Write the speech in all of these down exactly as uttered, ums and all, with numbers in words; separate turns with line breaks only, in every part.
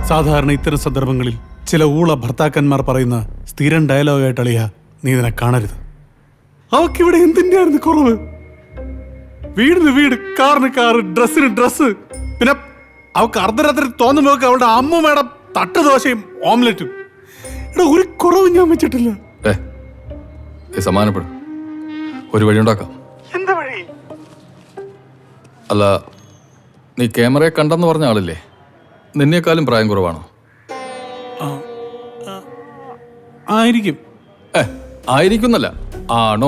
സാധാരണ ഇത്തരം സന്ദർഭങ്ങളിൽ ചില ഊള ഭർത്താക്കന്മാർ പറയുന്ന സ്ഥിരം ഡയലോഗായിട്ട് അളിയ നീ ഇതിനെ കാണരുത്. അവക്കിവിടെ എന്തിൻ്റെയായിരുന്നു കുറവ്? വീടിന് വീട്, കാറിന് കാറ്, ഡ്രസ്സിന് ഡ്രസ്സ്, പിന്നെ അവക്ക് അർദ്ധരാത്രി തോന്നുമ്പോ അവളുടെ അമ്മൂമ്മയുടെ തട്ട് ദോശയും ഓംലെറ്റും. ഇവിടെ ഒരു കുറവും ഞാൻ വെച്ചിട്ടില്ല.
സമാനപ്പെടും, ഒരു വഴി ഉണ്ടാക്കാം.
എന്താ വഴി?
അല്ല, നീ ക്യാമറയെ കണ്ടെന്ന് പറഞ്ഞ ആളില്ലേ, നിന്നേക്കാളും പ്രായം കുറവാണോ?
ആയിരിക്കും.
ഏ ആയിരിക്കുന്നല്ല, ആണോ?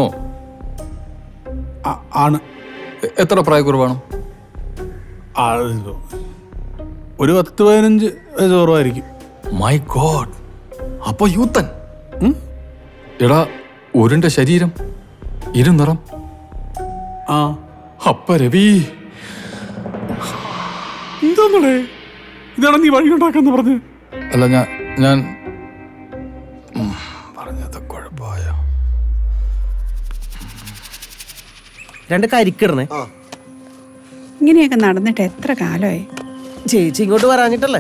ആണ്.
എത്ര പ്രായക്കുറവാണോ?
ഒരു പത്ത് പതിനഞ്ച് വയസ്സ് കുറവായിരിക്കും.
മൈ ഗോഡ്, അപ്പൊ യൂത്തൻ. എടാ, ഉരുണ്ട ശരീരം, ഇരുനിറം.
ആ
അപ്പ രവി
എന്താന്നേ ഇതാണ് നീ വഴി ഉണ്ടാക്കാന്ന് പറഞ്ഞു?
അല്ല, ഞാൻ ഞാൻ പറഞ്ഞത് കുഴപ്പമായ
രണ്ട് കരിക്കിടണേ.
ഇങ്ങനെയൊക്കെ നടന്നിട്ട് എത്ര കാലമായി?
ചേച്ചി ഇങ്ങോട്ട് വരാഞ്ഞിട്ടല്ലേ?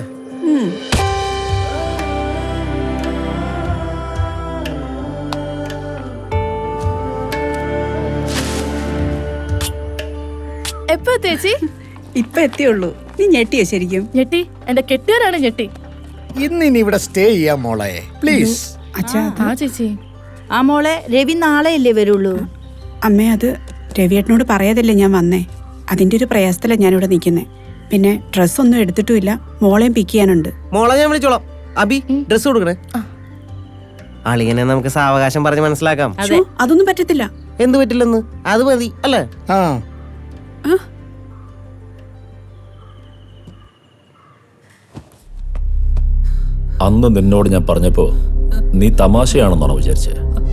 എപ്പോ ചേച്ചി?
ഇപ്പൊ എത്തിയുള്ളൂ. നീ ഞെട്ടിയോ ശരിക്കും?
ഞെട്ടി, എന്റെ കെട്ടിയവരാണ് ഞെട്ടി.
ഇന്ന് ഇനി ഇവിടെ സ്റ്റേ ചെയ്യാം മോളെ, പ്ലീസ്.
അച്ഛാ,
ആ ചേച്ചി.
ആ മോളെ, രവി നാളെയല്ലേ വരുള്ളൂ?
അമ്മേ, അത് രവിയേട്ടനോട് പറയാതല്ലേ ഞാൻ വന്നേ. അതിന്റെ ഒരു പ്രയാസത്തിലാണ് ഞാനിവിടെ നിൽക്കുന്നേ. പിന്നെ ഡ്രസ്സൊന്നും എടുത്തിട്ടുമില്ല, മോളെയും പിക്ക് ചെയ്യാനുണ്ട്.
മോളെ ഞാൻ വിളിച്ചോളാം. അബി, ഡ്രസ് കൊടുക്കണേ. അളിയനെ നമുക്ക് സാവകാശം പറഞ്ഞ് മനസ്സിലാക്കാം.
ശ്ശോ, അതൊന്നും പറ്റത്തില്ല.
എന്ത് പറ്റില്ലെന്ന്? അത് മതി അല്ലേ?
ആ
അന്ന് നിന്നോട് ഞാൻ പറഞ്ഞപ്പോ നീ തമാശയാണെന്നാണോ വിചാരിച്ചേ?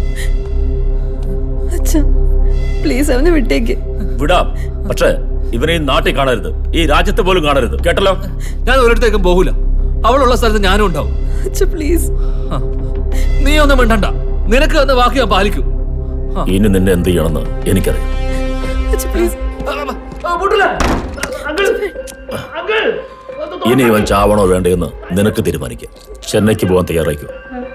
പ്ലീസ് അവനെ വിട്ടേക്ക്.
വിടാം, പക്ഷേ ഇവനെ ഈ നാട്ടിൽ കാണരുത്, ഈ രാജ്യത്ത് പോലും കാണരുത്, കേട്ടല്ലോ?
ഞാൻ ഒരിടത്തേക്കും പോകൂല. അവളുള്ള സ്ഥലത്ത് ഞാനും ഉണ്ടാവും.
പ്ലീസ്,
നീ ഒന്നും മിണ്ടണ്ട, നിനക്ക് എന്ന വാക്ക് ഞാൻ പാലിക്കും.
ഇനി നിന്നെ എന്ത് ചെയ്യണമെന്ന് എനിക്കറിയാം. ഇനി ഇവൻ ചാവണോ വേണ്ടയെന്ന് നിനക്ക് തീരുമാനിക്കാം. ചെന്നൈക്ക് പോകാൻ തയ്യാറായിക്കോ.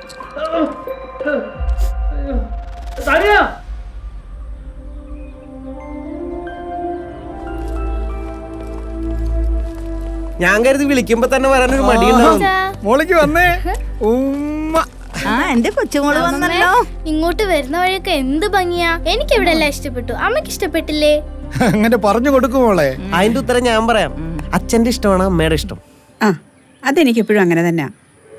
ഞാൻ കരുതി വിളിക്കുമ്പോ തന്നെ വരാനൊരു മടിയുണ്ടാവും.
മോളിക്ക് വന്നേ. ഉമ്മ.
ആ എന്റെ കൊച്ചുമോള് വന്നല്ലോ.
ഇങ്ങോട്ട് വരുന്ന വഴിയൊക്കെ എന്ത് ഭംഗിയാ. എനിക്ക് ഇവിടെ എല്ലാം ഇഷ്ടപ്പെട്ടു. അമ്മക്ക് ഇഷ്ടപ്പെട്ടില്ലേ?
അങ്ങനെ പറഞ്ഞു കൊടുക്കും മോളെ.
അതിന്റെ ഉത്തരം ഞാൻ പറയാം. അച്ഛന്റെ ഇഷ്ടമാണ് അമ്മയുടെ ഇഷ്ടം.
ആ, അതെനിക്ക് എപ്പോഴും അങ്ങനെ തന്നെയാ.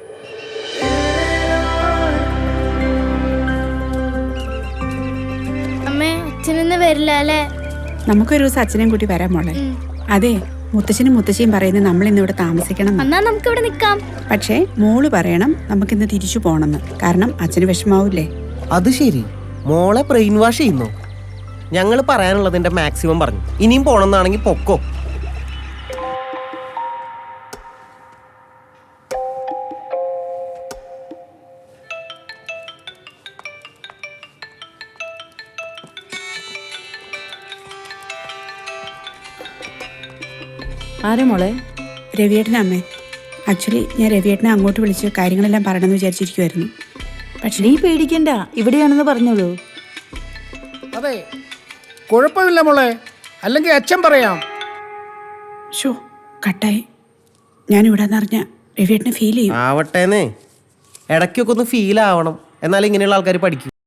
അമ്മേ, അച്ഛനൊന്ന് വരില്ല അല്ലേ?
നമുക്കൊരു ദിവസം അച്ഛനെയും കൂട്ടി വരാം മോളെ. അതെ, മുത്തശ്ശനും മുത്തശ്ശിയും പറയുന്നത് നമ്മൾ ഇന്ന് ഇവിടെ താമസിക്കണം.
എന്നാ നമുക്ക് ഇവിടെ നിക്കാം.
പക്ഷേ മോള് പറയണം നമുക്കിന്ന് തിരിച്ചു പോണെന്ന്. കാരണം അച്ഛന് വിഷമാവൂലേ?
അത് ശരി, മോളെ ബ്രെയിൻ വാഷ് ചെയ്യുന്നു. ഞങ്ങൾ പറയാനുള്ളതിന്റെ മാക്സിമം പറഞ്ഞു. ഇനിയും പോണെന്നാണെങ്കിൽ പൊക്കോ.
ആരെ മോളെ?
രവിയേട്ടനെ അമ്മേ. ആക്ച്വലി ഞാൻ രവിയേട്ടനെ അങ്ങോട്ട് വിളിച്ച് കാര്യങ്ങളെല്ലാം പറയണമെന്ന് വിചാരിച്ചിരിക്കുമായിരുന്നു. പക്ഷേ
നീ പേടിക്കണ്ട, ഇവിടെയാണെന്ന് പറഞ്ഞോളൂ.
അതെ, കുഴപ്പമില്ല മോളെ, അല്ലെങ്കിൽ അച്ഛൻ പറയാം.
ഷോ കട്ടായി. ഞാനിവിടെ നിറഞ്ഞ രവിയേട്ടനെ ഫീൽ ചെയ്യും.
ആവട്ടേന്നേ, ഇടയ്ക്കൊക്കെ ഒന്ന് ഫീൽ ആവണം. എന്നാലും ഇങ്ങനെയുള്ള ആൾക്കാർ പഠിക്കും.